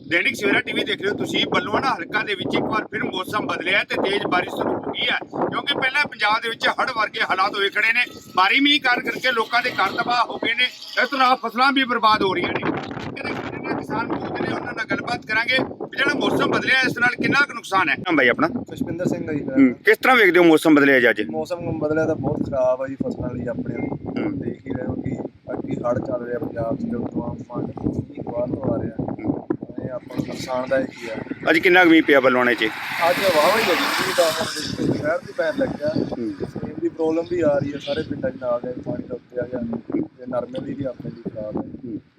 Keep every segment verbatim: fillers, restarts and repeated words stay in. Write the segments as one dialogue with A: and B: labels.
A: दैनिक सवेरा टीवी देख रहे हो तुसी बल्लुआना हलका दे विच एक बार फिर मौसम बदलिया ते तेज बारिश शुरू हो गई है क्योंकि पहले पंजाब दे विच हड़ वर्गे हालात होए खड़े ने भारी मींह कर करके लोकां दे घर तबाह हो गए ने इस तरह फसलां भी बर्बाद हो रही ने किसान मौजूद ने उन्हां नाल गलबात करांगे भी जेड़ा मौसम बदलिया इस नाल कितना क नुकसान है। भाई अपना
B: ਖੁਸ਼ਪਿੰਦਰ ਸਿੰਘ ਆ ਜੀ ਮੇਰਾ ਨਾਮ।
A: किस तरह वेखदे हो मौसम बदलिया जी अज?
B: ਮੌਸਮ ਬਦਲਿਆ ਤਾਂ ਬਹੁਤ ਖਰਾਬ ਆ ਜੀ ਫਸਲਾਂ ਲਈ ਆਪਣੇ ਲਈ। ਦੇਖ ਹੀ ਰਹੇ ਹੋ ਕਿ ਅੱਗੇ ਹੜ੍ਹ ਚੱਲ ਰਿਹਾ ਪੰਜਾਬ 'ਚ ਜਦੋਂ ਤੋਂ ਆਮ ਮੀਂਹ ਬਾਹਰ ਤੋਂ ਆ ਰਿਹਾ ਇਹ ਆਪਾਂ ਨੂੰ ਨੁਕਸਾਨਦਾਇਕ ਹੀ ਆ।
A: अज कितना क मींह पिया बल्लुआणे च?
B: ਅੱਜ ਵਾਹਵਾ ਹੀ ਲੱਗੀ ਸੀ ਤਾਂ ਹੁਣ ਸ਼ਹਿਰ ਦੀ ਪੈਣ ਲੱਗਿਆ ਸੇਮ ਦੀ ਪ੍ਰੋਬਲਮ ਵੀ ਆ ਰਹੀ ਹੈ ਸਾਰੇ ਪਿੰਡਾਂ 'ਚ ਨਾਲ ਦੇ ਪਾਣੀ ਦਾ ਉੱਤੇ ਆ ਗਿਆ ਤੇ ਨਰਮੇ ਦੀ ਵੀ ਆਪਣੇ ਲਈ ਖਰਾਬ ਹੈ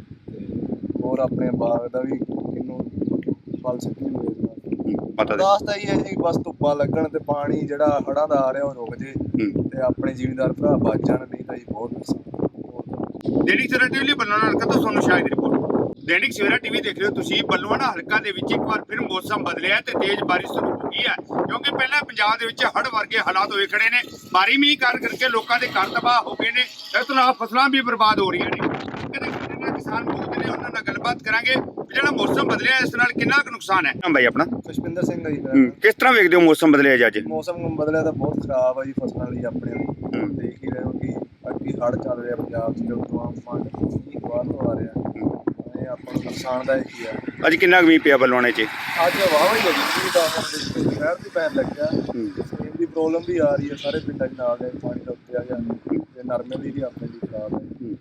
B: ਤੇ ਹੋਰ ਆਪਣੇ ਬਾਗ ਦਾ ਵੀ ਕਿੰਨੂੰ ਫਲ ਸਿੱਟੀ ਹੋਏ
A: पता दे
B: ਦਾਸਤਾ ਹੀ ਹੈ ਜੀ ਬਸ ਧੁੱਪਾਂ ਲੱਗਣ ਤੇ ਪਾਣੀ ਜਿਹੜਾ ਹੜ੍ਹਾਂ ਦਾ ਆ ਰਿਹਾ ਉਹ ਰੁਕ ਜੇ ਤੇ ਆਪਣੇ ਜ਼ਿਮੀਂਦਾਰ ਭਰਾ ਬਚ ਜਾਣ ਨਹੀਂ ਤਾਂ ਜੀ ਬਹੁਤ ਨੁਕਸਾਨ।
A: दैनिक सवेरा टीवी बल्लुआना हलका तो सोनू शाह दी रिपोर्ट। दैनिक सवेरा टीवी देख रहे हो तुसी बल्लुआना हलका दे विच एक बार फिर मौसम बदलिया ते तेज बारिश शुरू हो गई है क्योंकि पहले पंजाब दे विच हड़ वर्गे हालात होए खड़े ने भारी मींह कर करके लोकां दे घर तबाह हो गए ने इस तरह फसलां भी बर्बाद हो रही ने किसान मौजूद ने उन्हां नाल गलबात करांगे भी जेड़ा मौसम बदलिया इस नाल कितना क नुकसान है। भाई अपना
B: ਖੁਸ਼ਪਿੰਦਰ ਸਿੰਘ ਆ ਜੀ ਮੇਰਾ ਨਾਮ।
A: किस तरह वेखदे हो मौसम बदलिया जी अज?
B: ਮੌਸਮ ਬਦਲਿਆ ਤਾਂ ਬਹੁਤ ਖਰਾਬ ਆ ਜੀ ਫਸਲਾਂ ਲਈ ਆਪਣੇ ਲਈ। ਦੇਖ ਹੀ ਰਹੇ ਹੋ ਕਿ ਅੱਗੇ ਹੜ੍ਹ ਚੱਲ ਰਿਹਾ ਪੰਜਾਬ 'ਚ ਜਦੋਂ ਤੋਂ ਆਮ ਮੀਂਹ ਬਾਹਰ ਤੋਂ ਆ ਰਿਹਾ ਇਹ ਆਪਾਂ ਨੂੰ ਨੁਕਸਾਨਦਾਇਕ ਹੀ ਆ।
A: अज कितना क मींह पिया बल्लुआणे च?
B: ਅੱਜ ਵਾਹਵਾ ਹੀ ਲੱਗੀ ਸੀ ਤਾਂ ਹੁਣ ਸ਼ਹਿਰ ਦੀ ਪੈਣ ਲੱਗਿਆ ਸੇਮ ਦੀ ਪ੍ਰੋਬਲਮ ਵੀ ਆ ਰਹੀ ਹੈ ਸਾਰੇ ਪਿੰਡਾਂ 'ਚ ਨਾਲ ਦੇ ਪਾਣੀ ਦਾ ਉੱਤੇ ਆ ਗਿਆ ਤੇ ਨਰਮੇ ਦੀ ਵੀ ਆਪਣੇ ਲਈ ਖਰਾਬ ਹੈ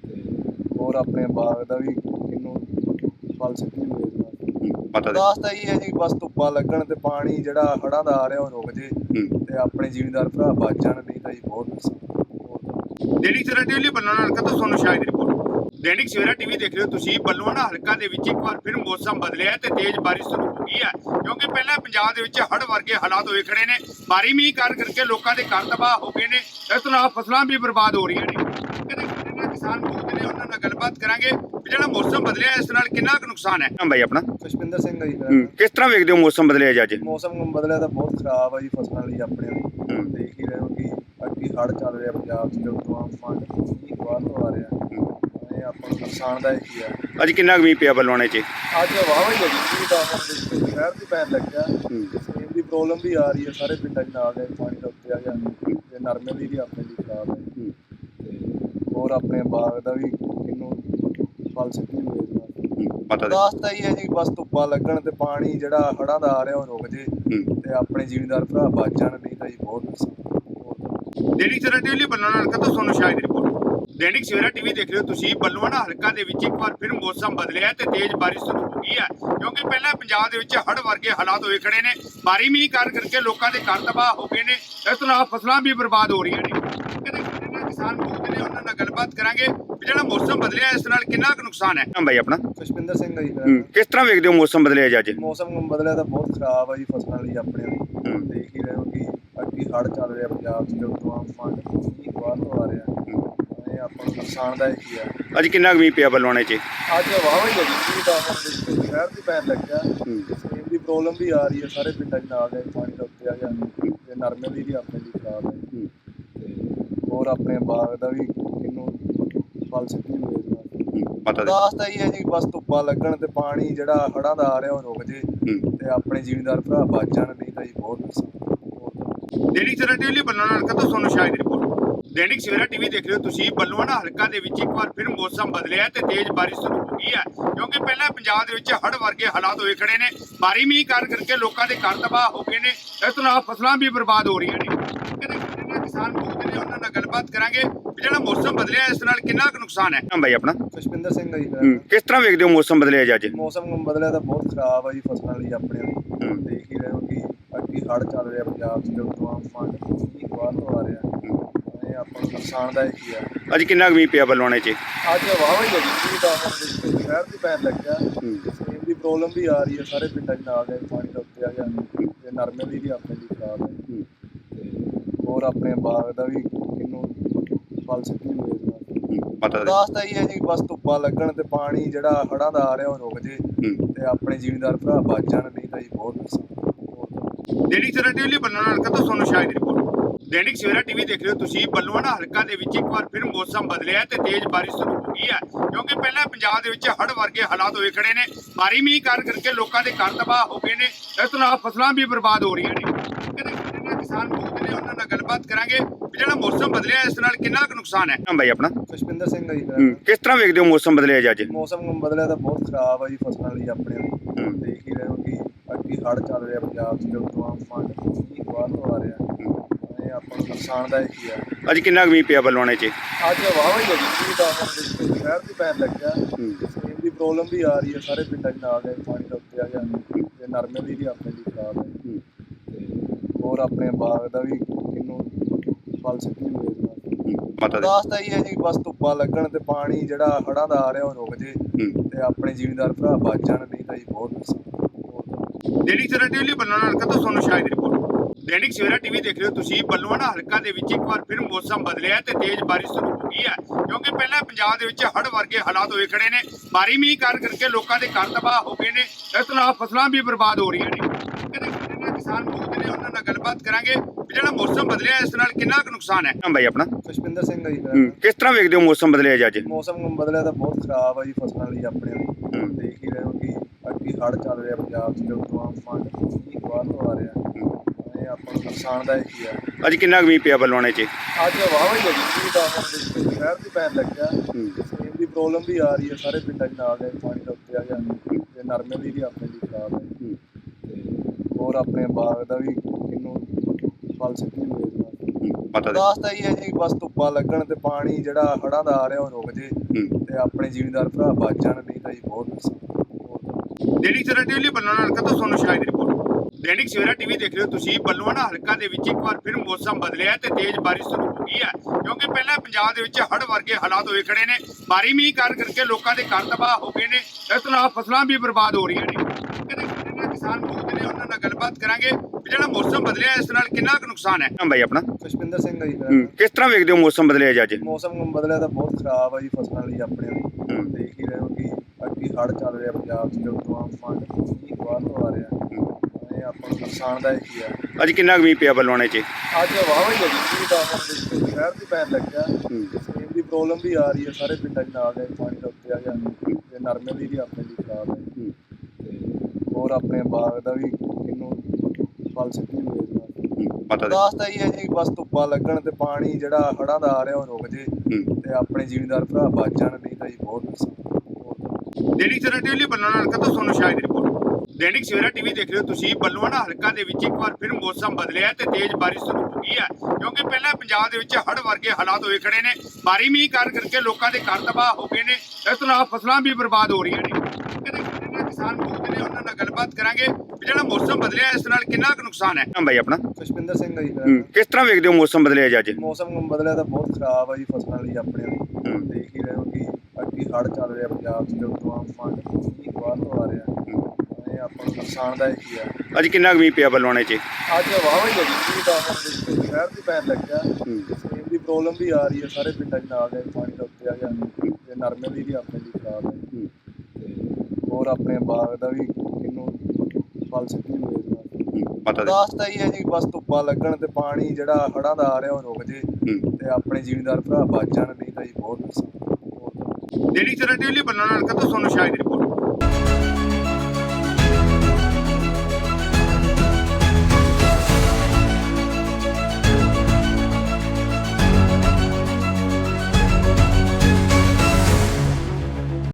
B: ਤੇ ਹੋਰ ਆਪਣੇ ਬਾਗ ਦਾ ਵੀ ਕਿੰਨੂੰ ਫਲ ਸਿੱਟੀ ਹੋਏ
A: पता दे
B: ਦਾਸਤਾ ਹੀ ਹੈ ਜੀ ਬਸ ਧੁੱਪਾਂ ਲੱਗਣ ਤੇ ਪਾਣੀ ਜਿਹੜਾ ਹੜ੍ਹਾਂ ਦਾ ਆ ਰਿਹਾ ਉਹ ਰੁਕ ਜੇ ਤੇ ਆਪਣੇ ਜ਼ਿਮੀਂਦਾਰ ਭਰਾ ਬਚ ਜਾਣ ਨਹੀਂ ਤਾਂ ਜੀ ਬਹੁਤ ਨੁਕਸਾਨ।
A: दैनिक सवेरा टीवी बल्लुआना हलका तो सोनू शाह दी रिपोर्ट। दैनिक सवेरा टीवी देख रहे हो तुसी बल्लुआना हलका दे विच एक बार फिर मौसम बदलिया ते तेज बारिश शुरू हो गई है क्योंकि पहले पंजाब दे विच हड़ वर्गे हालात होए खड़े ने भारी मींह कर करके लोकां दे घर तबाह हो गए ने इस तरह फसलां भी बर्बाद हो रही ने किसान मौजूद ने उन्हां नाल गलबात करांगे भी जेड़ा मौसम बदलिया इस नाल कितना क नुकसान है। भाई अपना
B: ਖੁਸ਼ਪਿੰਦਰ ਸਿੰਘ ਆ ਜੀ ਮੇਰਾ ਨਾਮ।
A: किस तरह वेखदे हो मौसम बदलिया जी अज?
B: ਮੌਸਮ ਬਦਲਿਆ ਤਾਂ ਬਹੁਤ ਖਰਾਬ ਆ ਜੀ ਫਸਲਾਂ ਲਈ ਆਪਣੇ ਲਈ। ਦੇਖ ਹੀ ਰਹੇ ਹੋ ਕਿ ਅੱਗੇ ਹੜ੍ਹ ਚੱਲ ਰਿਹਾ ਪੰਜਾਬ 'ਚ ਜਦੋਂ ਤੋਂ ਆਮ ਮੀਂਹ ਬਾਹਰ ਤੋਂ ਆ ਰਿਹਾ ਇਹ ਆਪਾਂ ਨੂੰ ਨੁਕਸਾਨਦਾਇਕ ਹੀ ਆ।
A: अज कितना क मींह पिया बल्लुआणे च?
B: ਅੱਜ ਵਾਹਵਾ ਹੀ ਲੱਗੀ ਸੀ ਤਾਂ ਹੁਣ ਸ਼ਹਿਰ ਦੀ ਪੈਣ ਲੱਗਿਆ ਸੇਮ ਦੀ ਪ੍ਰੋਬਲਮ ਵੀ ਆ ਰਹੀ ਹੈ ਸਾਰੇ ਪਿੰਡਾਂ 'ਚ ਨਾਲ ਦੇ ਪਾਣੀ ਦਾ ਉੱਤੇ ਆ ਗਿਆ ਤੇ ਨਰਮੇ ਦੀ ਵੀ ਆਪਣੇ ਲਈ ਖਰਾਬ ਹੈ ਤੇ ਹੋਰ ਆਪਣੇ ਬਾਗ ਦਾ ਵੀ ਕਿੰਨੂੰ ਫਲ ਸਿੱਟੀ ਹੋਏ
A: पता दे
B: ਦਾਸਤਾ ਹੀ ਹੈ ਜੀ ਬਸ ਧੁੱਪਾਂ ਲੱਗਣ ਤੇ ਪਾਣੀ ਜਿਹੜਾ ਹੜ੍ਹਾਂ ਦਾ ਆ ਰਿਹਾ ਉਹ ਰੁਕ ਜੇ ਤੇ ਆਪਣੇ ਜ਼ਿਮੀਂਦਾਰ ਭਰਾ ਬਚ ਜਾਣ ਨਹੀਂ ਤਾਂ ਜੀ ਬਹੁਤ ਨੁਕਸਾਨ।
A: दैनिक सवेरा टीवी बल्लुआना हलका तो सोनू शाह दी रिपोर्ट। दैनिक सवेरा टीवी देख रहे हो तुसी बल्लुआना हलका दे विच एक बार फिर मौसम बदलिया ते तेज बारिश शुरू हो गई है क्योंकि पहले पंजाब दे विच हड़ वर्गे हालात होए खड़े ने भारी मींह कर करके लोकां दे घर तबाह हो गए ने इस तरह फसलां भी बर्बाद हो रही ने किसान मौजूद ने उन्हां नाल गलबात करांगे भी जेड़ा मौसम बदलिया इस नाल कितना क नुकसान है। भाई अपना
B: ਖੁਸ਼ਪਿੰਦਰ ਸਿੰਘ ਆ ਜੀ ਮੇਰਾ ਨਾਮ।
A: किस तरह वेखदे हो मौसम बदलिया जी अज?
B: ਮੌਸਮ ਬਦਲਿਆ ਤਾਂ ਬਹੁਤ ਖਰਾਬ ਆ ਜੀ ਫਸਲਾਂ ਲਈ ਆਪਣੇ ਲਈ। ਦੇਖ ਹੀ ਰਹੇ ਹੋ ਕਿ ਅੱਗੇ ਹੜ੍ਹ ਚੱਲ ਰਿਹਾ ਪੰਜਾਬ 'ਚ ਜਦੋਂ ਤੋਂ ਆਮ ਮੀਂਹ ਬਾਹਰ ਤੋਂ ਆ ਰਿਹਾ ਇਹ ਆਪਾਂ ਨੂੰ ਨੁਕਸਾਨਦਾਇਕ ਹੀ ਆ।
A: अज कितना क मींह पिया बल्लुआणे च?
B: ਅੱਜ ਵਾਹਵਾ ਹੀ ਲੱਗੀ ਸੀ ਤਾਂ ਹੁਣ ਸ਼ਹਿਰ ਦੀ ਪੈਣ ਲੱਗਿਆ ਸੇਮ ਦੀ ਪ੍ਰੋਬਲਮ ਵੀ ਆ ਰਹੀ ਹੈ ਸਾਰੇ ਪਿੰਡਾਂ 'ਚ ਨਾਲ ਦੇ ਪਾਣੀ ਦਾ ਉੱਤੇ ਆ ਗਿਆ ਤੇ ਨਰਮੇ ਦੀ ਵੀ ਆਪਣੇ ਲਈ ਖਰਾਬ ਹੈ ਤੇ ਹੋਰ ਆਪਣੇ ਬਾਗ ਦਾ ਵੀ ਕਿੰਨੂੰ ਫਲ ਸਿੱਟੀ ਹੋਏ
A: पता दे
B: ਦਾਸਤਾ ਹੀ ਹੈ ਜੀ ਬਸ ਧੁੱਪਾਂ ਲੱਗਣ ਤੇ ਪਾਣੀ ਜਿਹੜਾ ਹੜ੍ਹਾਂ ਦਾ ਆ ਰਿਹਾ ਉਹ ਰੁਕ ਜੇ ਤੇ ਆਪਣੇ ਜ਼ਿਮੀਂਦਾਰ ਭਰਾ ਬਚ ਜਾਣ ਨਹੀਂ ਤਾਂ ਜੀ ਬਹੁਤ ਨੁਕਸਾਨ।
A: दैनिक सवेरा टीवी बल्लुआना हलका तो सोनू शाह दी रिपोर्ट। दैनिक सवेरा टीवी देख रहे हो तुसी बल्लुआना हलका दे विच एक बार फिर मौसम बदलिया ते तेज बारिश शुरू हो गई है क्योंकि पहले पंजाब दे विच हड़ वर्गे हालात होए खड़े ने भारी मींह कर करके लोकां दे घर तबाह हो गए ने इस तरह फसलां भी बर्बाद हो रही ने किसान मौजूद ने उन्हां नाल गलबात करांगे भी जेड़ा मौसम बदलिया इस नाल कितना क नुकसान है। भाई अपना
B: ਖੁਸ਼ਪਿੰਦਰ ਸਿੰਘ ਆ ਜੀ ਮੇਰਾ ਨਾਮ।
A: किस तरह वेखदे हो मौसम बदलिया जी अज?
B: ਮੌਸਮ ਬਦਲਿਆ ਤਾਂ ਬਹੁਤ ਖਰਾਬ ਆ ਜੀ ਫਸਲਾਂ ਲਈ ਆਪਣੇ ਲਈ। ਦੇਖ ਹੀ ਰਹੇ ਹੋ ਕਿ ਅੱਗੇ ਹੜ੍ਹ ਚੱਲ ਰਿਹਾ ਪੰਜਾਬ 'ਚ ਜਦੋਂ ਤੋਂ ਆਮ ਮੀਂਹ ਬਾਹਰ ਤੋਂ ਆ ਰਿਹਾ ਇਹ ਆਪਾਂ ਨੂੰ ਨੁਕਸਾਨਦਾਇਕ ਹੀ ਆ।
A: अज कितना क मींह पिया बल्लुआणे च?
B: ਅੱਜ ਵਾਹਵਾ ਹੀ ਲੱਗੀ ਸੀ ਤਾਂ ਹੁਣ ਸ਼ਹਿਰ ਦੀ ਪੈਣ ਲੱਗਿਆ ਸੇਮ ਦੀ ਪ੍ਰੋਬਲਮ ਵੀ ਆ ਰਹੀ ਹੈ ਸਾਰੇ ਪਿੰਡਾਂ 'ਚ ਨਾਲ ਦੇ ਪਾਣੀ ਦਾ ਉੱਤੇ ਆ ਗਿਆ ਤੇ ਨਰਮੇ ਦੀ ਵੀ ਆਪਣੇ ਲਈ ਖਰਾਬ ਹੈ ਤੇ ਹੋਰ ਆਪਣੇ ਬਾਗ ਦਾ ਵੀ ਕਿੰਨੂੰ ਫਲ ਸਿੱਟੀ ਹੋਏ
A: पता दे
B: ਦਾਸਤਾ ਹੀ ਹੈ ਜੀ ਬਸ ਧੁੱਪਾਂ ਲੱਗਣ ਤੇ ਪਾਣੀ ਜਿਹੜਾ ਹੜ੍ਹਾਂ ਦਾ ਆ ਰਿਹਾ ਉਹ ਰੁਕ ਜੇ ਤੇ ਆਪਣੇ ਜ਼ਿਮੀਂਦਾਰ ਭਰਾ ਬਚ ਜਾਣ ਨਹੀਂ ਤਾਂ ਜੀ ਬਹੁਤ ਨੁਕਸਾਨ।
A: दैनिक सवेरा टीवी बल्लुआना हलका तो सोनू शाह दी रिपोर्ट। दैनिक सवेरा टीवी देख रहे हो तुसी बल्लुआना हलका दे विच एक बार फिर मौसम बदलिया ते तेज बारिश शुरू हो गई ਗਈ ਹੈ ਕਿਉਂਕਿ ਪਹਿਲਾਂ ਪੰਜਾਬ ਦੇ ਵਿੱਚ ਹੜ੍ਹ ਵਰਗੇ ਹਾਲਾਤ ਹੋਏ ਖੜੇ ਨੇ। ਭਾਰੀ ਮੀਂਹ ਕਾਰਨ ਕਰਕੇ ਲੋਕਾਂ ਦੇ ਘਰ ਤਬਾਹ ਹੋ ਗਏ ਨੇ। ਇਸ ਤੋਂ ਇਲਾਵਾ ਫਸਲਾਂ ਵੀ ਬਰਬਾਦ ਹੋ ਰਹੀਆਂ ਨੇ। ਕਿਤੇ ਕਿਸਾਨ ਭੁਗਤ ਨੇ, ਉਹਨਾਂ ਨਾਲ ਗੱਲਬਾਤ ਕਰਾਂਗੇ ਵੀ ਜਿਹੜਾ ਮੌਸਮ ਬਦਲਿਆ ਇਸ ਨਾਲ ਕਿੰਨਾ ਕੁ ਨੁਕਸਾਨ ਹੈ। ਹਾਂ ਬਾਈ ਆਪਣਾ
B: ਖੁਸ਼ਪਿੰਦਰ ਸਿੰਘ ਆ ਜੀ ਮੇਰਾ
A: ਹੂੰ,
B: ਨਾਮ।
A: ਕਿਸ ਤਰ੍ਹਾਂ ਵੇਖਦੇ ਹੋ ਮੌਸਮ ਬਦਲਿਆ ਜੀ ਅੱਜ?
B: ਮੌਸਮ ਬਦਲਿਆ ਤਾਂ ਬਹੁਤ ਖਰਾਬ ਆ ਜੀ ਫਸਲਾਂ ਲਈ ਆਪਣੇ ਲਈ।
A: ਹੂੰ।
B: ਦੇਖ ਹੀ ਰਹੇ ਹੋ ਕਿ ਅੱਗੇ ਹੜ੍ਹ ਚੱਲ ਰਿਹਾ ਪੰਜਾਬ 'ਚ, ਜਦੋਂ ਤੋਂ ਆਪਾਂ ਮੀਂਹ ਬਾਹਰ ਤੋਂ ਆ ਰਿਹਾ, ਇਹ ਆਪਾਂ ਨੂੰ ਨੁਕਸਾਨਦਾਇਕ ਹੀ ਆ।
A: ਅੱਜ ਕਿੰਨਾ ਕੁ ਮੀਂਹ ਪਿਆ ਬਲਵਾਣੇ 'ਚ?
B: ਅੱਜ ਵਾਹਵਾ ਹੀ ਲੱਗੀ ਸੀ ਤਾਂ ਹੁਣ ਸ਼ਹਿਰ ਦੀ ਪੈਣ ਲੱਗਿਆ। ਸੇਮ ਦੀ ਪ੍ਰੋਬਲਮ ਵੀ ਆ ਰਹੀ ਹੈ ਸਾਰੇ ਪਿੰਡਾਂ 'ਚ, ਨਾਲ ਦੇ ਪਾਣੀ ਦਾ ਉੱਤੇ ਆ ਗਿਆ ਤੇ ਨਰਮੇ ਦੀ ਵੀ ਆਪਣੇ ਲਈ ਖਰਾਬ ਹੈ। ਤੇ ਹੋਰ ਆਪਣੇ ਬਾਗ ਦਾ ਵੀ ਕਿੰਨੂੰ ਫਲ ਸਿੱਟੀ ਹੋਏ ਇਸ ਵਾਰ। ਅਰਦਾਸ ਤਾਂ ਇਹ ਹੈ ਜੀ, ਬਸ ਧੁੱਪਾਂ ਲੱਗਣ ਤੇ ਪਾਣੀ ਜਿਹੜਾ ਹੜ੍ਹਾਂ ਦਾ ਆ ਰਿਹਾ ਉਹ ਰੁਕ ਜੇ ਤੇ ਆਪਣੇ ਜ਼ਿਮੀਂਦਾਰ ਭਰਾ ਬਚ ਜਾਣ, ਨਹੀਂ ਤਾਂ ਜੀ ਬਹੁਤ ਨੁਕਸਾਨ।
A: ਦੈਨਿਕ ਸਵੇਰਾ ਟੀਵੀ ਬੱਲੂਆਣਾ ਹਲਕਾ ਤੋਂ ਤੁਹਾਨੂੰ ਸ਼ਾਇਦ ਰਿਪੋਰਟ। ਦੈਨਿਕ ਸਵੇਰਾ ਟੀਵੀ ਦੇਖ ਰਹੇ ਹੋ ਤੁਸੀਂ। ਬੱਲੂਆਣਾ ਹਲਕਾ ਦੇ ਵਿੱਚ ਇੱਕ ਵਾਰ ਫਿਰ ਮੌਸਮ ਬਦਲਿਆ ਤੇ ਤੇਜ਼ ਬਾਰਿਸ਼ ਸ਼ੁਰੂ ਹੋ ਗਈ ਹੈ ਕਿਉਂਕਿ ਪਹਿਲਾਂ ਪੰਜਾਬ ਦੇ ਵਿੱਚ ਹੜ੍ਹ ਵਰਗੇ ਹਾਲਾਤ ਹੋਏ ਖੜੇ ਨੇ। ਭਾਰੀ ਮੀਂਹ ਕਾਰਨ ਕਰਕੇ ਲੋਕਾਂ ਦੇ ਘਰ ਤਬਾਹ ਹੋ ਗਏ ਨੇ। ਇਸ ਤੋਂ ਇਲਾਵਾ ਫਸਲਾਂ ਵੀ ਬਰਬਾਦ ਹੋ ਰਹੀਆਂ ਨੇ। ਕਿਤੇ ਕਿਸਾਨ ਭੁਗਤ ਨੇ, ਉਹਨਾਂ ਨਾਲ ਗੱਲਬਾਤ ਕਰਾਂਗੇ ਵੀ ਜਿਹੜਾ ਮੌਸਮ ਬਦਲਿਆ ਇਸ ਨਾਲ ਕਿੰਨਾ ਕੁ ਨੁਕਸਾਨ ਹੈ। ਹਾਂ ਬਾਈ ਆਪਣਾ
B: ਖੁਸ਼ਪਿੰਦਰ ਸਿੰਘ ਆ ਜੀ ਮੇਰਾ
A: ਹੂੰ,
B: ਨਾਮ।
A: ਕਿਸ ਤਰ੍ਹਾਂ ਵੇਖਦੇ ਹੋ ਮੌਸਮ ਬਦਲਿਆ ਜੀ ਅੱਜ?
B: ਮੌਸਮ ਬਦਲਿਆ ਤਾਂ ਬਹੁਤ ਖਰਾਬ ਆ ਜੀ ਫਸਲਾਂ ਲਈ ਆਪਣੇ ਲਈ। ਦੇਖ ਹੀ ਰਹੇ ਹੋ ਕਿ ਅੱਗੇ ਹੜ੍ਹ ਚੱਲ ਰਿਹਾ ਪੰਜਾਬ 'ਚ, ਜਦੋਂ ਤੋਂ ਆਪਾਂ ਮੀਂਹ ਬਾਹਰ ਤੋਂ ਆ ਰਿਹਾ, ਇਹ ਆਪਾਂ ਨੂੰ ਨੁਕਸਾਨਦਾਇਕ ਹੀ ਆ।
A: ਅੱਜ ਕਿੰਨਾ ਕੁ ਮੀਂਹ ਪਿਆ ਬਲਵਾਣੇ 'ਚ?
B: ਅੱਜ ਵਾਹਵਾ ਹੀ ਲੱਗੀ ਸੀ ਤਾਂ ਹੁਣ ਸ਼ਹਿਰ ਦੀ ਪੈਣ ਲੱਗਿਆ। ਸੇਮ ਦੀ ਪ੍ਰੋਬਲਮ ਵੀ ਆ ਰਹੀ ਹੈ ਸਾਰੇ ਪਿੰਡਾਂ 'ਚ, ਨਾਲ ਦੇ ਪਾਣੀ ਦਾ ਉੱਤੇ ਆ ਗਿਆ ਤੇ ਨਰਮੇ ਦੀ ਵੀ ਆਪਣੇ ਲਈ ਖਰਾਬ ਹੈ। ਤੇ ਹੋਰ ਆਪਣੇ ਬਾਗ ਦਾ ਵੀ ਕਿੰਨੂੰ ਫਲ ਸਿੱਟੀ ਹੋਏ ਇਸ ਵਾਰ। ਅਰਦਾਸ ਤਾਂ ਇਹ ਹੈ ਜੀ, ਬਸ ਧੁੱਪਾਂ ਲੱਗਣ ਤੇ ਪਾਣੀ ਜਿਹੜਾ ਹੜ੍ਹਾਂ ਦਾ ਆ ਰਿਹਾ ਉਹ ਰੁਕ ਜੇ ਤੇ ਆਪਣੇ ਜ਼ਿਮੀਂਦਾਰ ਭਰਾ ਬਚ ਜਾਣ, ਨਹੀਂ ਤਾਂ ਜੀ ਬਹੁਤ ਨੁਕਸਾਨ। ਦੈਨਿਕ ਸਵੇਰਾ ਟੀਵੀ ਬੱਲੂਆਣਾ ਹਲਕਾ ਤੋਂ ਤੁਹਾਨੂੰ ਸ਼ਾਇਦ ਰਿਪੋਰਟ। ਦੈਨਿਕ ਸਵੇਰਾ ਟੀਵੀ ਦੇਖ ਰਹੇ ਹੋ ਤੁਸੀਂ। ਬੱਲੂਆਣਾ ਹਲਕਾ ਦੇ ਵਿੱਚ ਇੱਕ ਵਾਰ ਫਿਰ ਮੌਸਮ ਬਦਲਿਆ ਤੇ ਤੇਜ਼ ਬਾਰਿਸ਼ ਸ਼ੁਰੂ ਹੋ ਗਈ ਹੈ ਕਿਉਂਕਿ ਪਹਿਲਾਂ ਪੰਜਾਬ ਦੇ ਵਿੱਚ ਹੜ੍ਹ ਵਰਗੇ ਹਾਲਾਤ ਹੋਏ ਖੜੇ ਨੇ। ਭਾਰੀ ਮੀਂਹ ਕਾਰਨ ਕਰਕੇ ਲੋਕਾਂ ਦੇ ਘਰ ਤਬਾਹ ਹੋ ਗਏ ਨੇ। ਇਸ ਤੋਂ ਇਲਾਵਾ ਫਸਲਾਂ ਵੀ ਬਰਬਾਦ ਹੋ ਰਹੀਆਂ ਨੇ। ਕਿਤੇ ਕਿਸਾਨ ਭੁਗਤ ਨੇ, ਉਹਨਾਂ ਨਾਲ ਗੱਲਬਾਤ ਕਰਾਂਗੇ ਵੀ ਜਿਹੜਾ ਮੌਸਮ ਬਦਲਿਆ ਇਸ ਨਾਲ ਕਿੰਨਾ ਕੁ ਨੁਕਸਾਨ ਹੈ। ਹਾਂ ਬਾਈ ਆਪਣਾ ਖੁਸ਼ਪਿੰਦਰ ਸਿੰਘ ਆ ਜੀ ਮੇਰਾ
A: ਹੂੰ,
B: ਨਾਮ।
A: ਕਿਸ ਤਰ੍ਹਾਂ ਵੇਖਦੇ ਹੋ ਮੌਸਮ ਬਦਲਿਆ ਜੀ ਅੱਜ?
B: ਮੌਸਮ ਬਦਲਿਆ ਤਾਂ ਬਹੁਤ ਖਰਾਬ ਆ ਜੀ ਫਸਲਾਂ ਲਈ ਆਪਣੇ ਲਈ। ਦੇਖ ਹੀ ਰਹੇ ਹੋ ਕਿ ਅੱਗੇ ਹੜ੍ਹ ਚੱਲ ਰਿਹਾ ਪੰਜਾਬ 'ਚ, ਜਦੋਂ ਤੋਂ ਆਪਾਂ ਮੀਂਹ ਬਾਹਰ ਤੋਂ ਆ ਰਿਹਾ, ਇਹ ਆਪਾਂ ਨੂੰ ਨੁਕਸਾਨਦਾਇਕ ਹੀ ਆ।
A: ਅੱਜ ਕਿੰਨਾ ਕੁ ਮੀਂਹ ਪਿਆ ਬਲਵਾਣੇ 'ਚ?
B: ਅੱਜ ਵਾਹਵਾ ਹੀ ਲੱਗੀ ਸੀ ਤਾਂ ਹੁਣ ਸ਼ਹਿਰ ਦੀ ਪੈਣ ਲੱਗਿਆ। ਸੇਮ ਦੀ ਪ੍ਰੋਬਲਮ ਵੀ ਆ ਰਹੀ ਹੈ ਸਾਰੇ ਪਿੰਡਾਂ 'ਚ, ਨਾਲ ਦੇ ਪਾਣੀ ਦਾ ਉੱਤੇ ਆ ਗਿਆ ਤੇ ਨਰਮੇ ਦੀ ਵੀ ਆਪਣੇ ਲਈ ਖਰਾਬ ਹੈ। ਤੇ ਹੋਰ ਆਪਣੇ ਬਾਗ ਦਾ ਵੀ ਕਿੰਨੂੰ ਫਲ ਸਿੱਟੀ ਹੋਏ ਇਸ ਵਾਰ। ਅਰਦਾਸ ਤਾਂ ਇਹ ਹੈ ਜੀ, ਬਸ ਧੁੱਪਾਂ ਲੱਗਣ ਤੇ ਪਾਣੀ ਜਿਹੜਾ ਹੜ੍ਹਾਂ ਦਾ ਆ ਰਿਹਾ ਉਹ ਰੁਕ ਜੇ ਤੇ ਆਪਣੇ ਜ਼ਿਮੀਂਦਾਰ ਭਰਾ ਬਚ ਜਾਣ, ਨਹੀਂ ਤਾਂ ਜੀ ਬਹੁਤ ਨੁਕਸਾਨ। ਦੈਨਿਕ ਸਵੇਰਾ ਟੀਵੀ ਬੱਲੂਆਣਾ ਹਲਕਾ ਤੋਂ ਤੁਹਾਨੂੰ ਸ਼ਾਇਦ ਰਿਪੋਰਟ। ਦੈਨਿਕ ਸਵੇਰਾ ਟੀਵੀ ਦੇਖ ਰਹੇ ਹੋ ਤੁਸੀਂ। ਬੱਲੂਆਣਾ ਹਲਕਾ ਦੇ ਵਿੱਚ ਇੱਕ ਵਾਰ ਫਿਰ ਮੌਸਮ ਬਦਲਿਆ ਤੇ ਤੇਜ਼ ਬਾਰਿਸ਼ ਸ਼ੁਰੂ ਹੋ ਗਈ ਹੈ ਕਿਉਂਕਿ ਪਹਿਲਾਂ ਪੰਜਾਬ ਦੇ ਵਿੱਚ ਹੜ੍ਹ ਵਰਗੇ ਹਾਲਾਤ ਹੋਏ ਖੜੇ ਨੇ। ਭਾਰੀ ਮੀਂਹ ਕਾਰਨ ਕਰਕੇ ਲੋਕਾਂ ਦੇ ਘਰ ਤਬਾਹ ਹੋ ਗਏ ਨੇ। ਇਸ ਤੋਂ ਇਲਾਵਾ ਫਸਲਾਂ ਵੀ ਬਰਬਾਦ ਹੋ ਰਹੀਆਂ ਨੇ। ਕਿਤੇ ਕਿਸਾਨ ਭੁਗਤ ਨੇ, ਉਹਨਾਂ ਨਾਲ ਗੱਲਬਾਤ ਕਰਾਂਗੇ ਵੀ ਜਿਹੜਾ ਮੌਸਮ ਬਦਲਿਆ ਇਸ ਨਾਲ ਕਿੰਨਾ ਕੁ ਨੁਕਸਾਨ ਹੈ। ਹਾਂ ਬਾਈ ਆਪਣਾ ਖੁਸ਼ਪਿੰਦਰ ਸਿੰਘ ਆ ਜੀ ਮੇਰਾ
A: ਹੂੰ,
B: ਨਾਮ।
A: ਕਿਸ ਤਰ੍ਹਾਂ ਵੇਖਦੇ ਹੋ ਮੌਸਮ ਬਦਲਿਆ ਜੀ ਅੱਜ?
B: ਮੌਸਮ ਬਦਲਿਆ ਤਾਂ ਬਹੁਤ ਖਰਾਬ ਆ ਜੀ ਫਸਲਾਂ ਲਈ ਆਪਣੇ ਲਈ। ਦੇਖ ਹੀ ਰਹੇ ਹੋ ਕਿ ਅੱਗੇ ਹੜ੍ਹ ਚੱਲ ਰਿਹਾ ਪੰਜਾਬ 'ਚ, ਜਦੋਂ ਤੋਂ ਆਪਾਂ ਮੀਂਹ ਬਾਹਰ ਤੋਂ ਆ ਰਿਹਾ, ਇਹ ਆਪਾਂ ਨੂੰ ਨੁਕਸਾਨਦਾਇਕ ਹੀ ਆ।
A: ਅੱਜ ਕਿੰਨਾ ਕੁ ਮੀਂਹ ਪਿਆ ਬਲਵਾਣੇ 'ਚ?
B: ਅੱਜ ਵਾਹਵਾ ਹੀ ਲੱਗੀ ਸੀ ਤਾਂ ਹੁਣ ਸ਼ਹਿਰ ਦੀ ਪੈਣ ਲੱਗਿਆ। ਸੇਮ ਦੀ ਪ੍ਰੋਬਲਮ ਵੀ ਆ ਰਹੀ ਹੈ ਸਾਰੇ ਪਿੰਡਾਂ 'ਚ, ਨਾਲ ਦੇ ਪਾਣੀ ਦਾ ਉੱਤੇ ਆ ਗਿਆ ਤੇ ਨਰਮੇ ਦੀ ਵੀ ਆਪਣੇ ਲਈ ਖਰਾਬ ਹੈ। ਤੇ ਹੋਰ ਆਪਣੇ ਬਾਗ ਦਾ ਵੀ ਕਿੰਨੂੰ ਫਲ ਸਿੱਟੀ ਹੋਏ ਇਸ ਵਾਰ। ਅਰਦਾਸ ਤਾਂ ਇਹ ਹੈ ਜੀ, ਬਸ ਧੁੱਪਾਂ ਲੱਗਣ ਤੇ ਪਾਣੀ ਜਿਹੜਾ ਹੜ੍ਹਾਂ ਦਾ ਆ ਰਿਹਾ ਉਹ ਰੁਕ ਜੇ ਤੇ ਆਪਣੇ ਜ਼ਿਮੀਂਦਾਰ ਭਰਾ ਬਚ ਜਾਣ, ਨਹੀਂ ਤਾਂ ਜੀ ਬਹੁਤ ਨੁਕਸਾਨ। ਦੈਨਿਕ ਸਵੇਰਾ ਟੀਵੀ ਬੱਲੂਆਣਾ ਹਲਕਾ ਤੋਂ ਤੁਹਾਨੂੰ ਸ਼ਾਇਦ